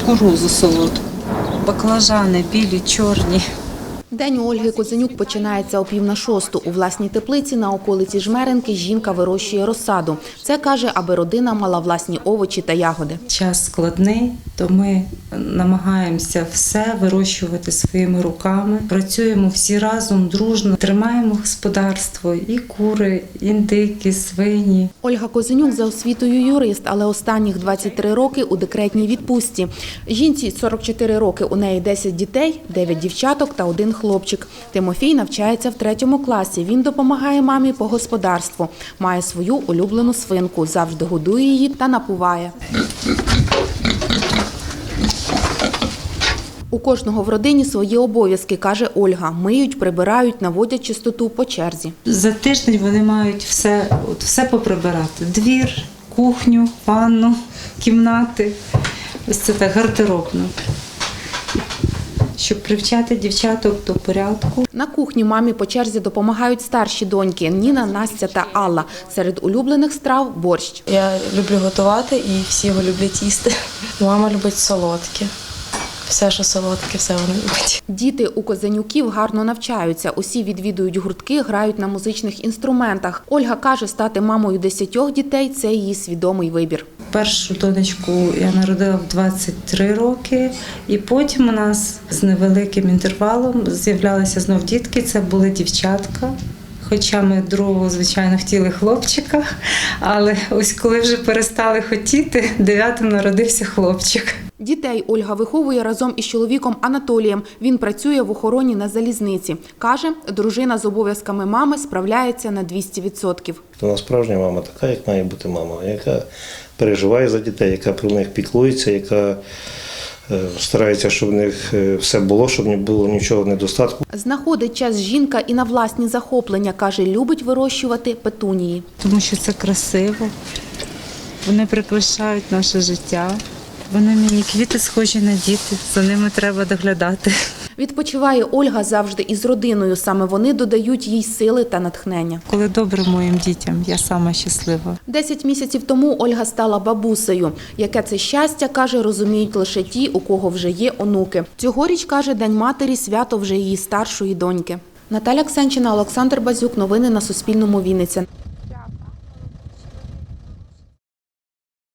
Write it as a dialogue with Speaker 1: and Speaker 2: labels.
Speaker 1: кукурудзу солодку, баклажани білі, чорні.
Speaker 2: День у Ольги Козенюк починається о 5:45. У власній теплиці на околиці Жмеринки жінка вирощує розсаду. Це, каже, аби родина мала власні овочі та ягоди.
Speaker 1: Час складний, то ми намагаємося все вирощувати своїми руками. Працюємо всі разом, дружно, тримаємо господарство, і кури, індики, свині.
Speaker 2: Ольга Козенюк за освітою юрист, але останніх 23 роки у декретній відпустці. Жінці 44 роки, у неї 10 дітей, 9 дівчаток та 1 хлопчик. Тимофій навчається в 3 класі. Він допомагає мамі по господарству. Має свою улюблену свинку, завжди годує її та напуває. У кожного в родині свої обов'язки, каже Ольга. Миють, прибирають, наводять чистоту по черзі.
Speaker 1: За тиждень вони мають все поприбирати. Двір, кухню, ванну, кімнати. Ось це так гардеробно. Щоб привчати дівчаток до порядку.
Speaker 2: На кухні мамі по черзі допомагають старші доньки – Ніна, Настя та Алла. Серед улюблених страв – борщ.
Speaker 3: Я люблю готувати і всі його люблять їсти. Мама любить солодке. Все, що солодке, все вона любить.
Speaker 2: Діти у Козенюків гарно навчаються. Усі відвідують гуртки, грають на музичних інструментах. Ольга каже, стати мамою 10 дітей – це її свідомий вибір.
Speaker 1: Першу донечку я народила в 23 роки, і потім у нас з невеликим інтервалом з'являлися знов дітки, це були дівчатка. Хоча ми другого, звичайно, хотіли хлопчика, але ось коли вже перестали хотіти, 9-м народився хлопчик.
Speaker 2: Дітей Ольга виховує разом із чоловіком Анатолієм. Він працює в охороні на залізниці. Каже, дружина з обов'язками мами справляється на 200%.
Speaker 4: Вона справжня мама така, як має бути мама, яка переживає за дітей, яка про них піклується, яка старається, щоб в них все було, щоб не було нічого недостатку.
Speaker 2: Знаходить час жінка і на власні захоплення. Каже, любить вирощувати петунії.
Speaker 1: Тому що це красиво, вони прикрашають наше життя. Вони мені квіти схожі на діти, за ними треба доглядати.
Speaker 2: Відпочиває Ольга завжди із родиною. Саме вони додають їй сили та натхнення.
Speaker 1: Коли добре моїм дітям, я сама щаслива.
Speaker 2: 10 місяців тому Ольга стала бабусею. Яке це щастя, каже, розуміють лише ті, у кого вже є онуки. Цьогоріч, каже, День матері – свято вже її старшої доньки. Наталя Ксенчина, Олександр Базюк. Новини на Суспільному. Вінниця.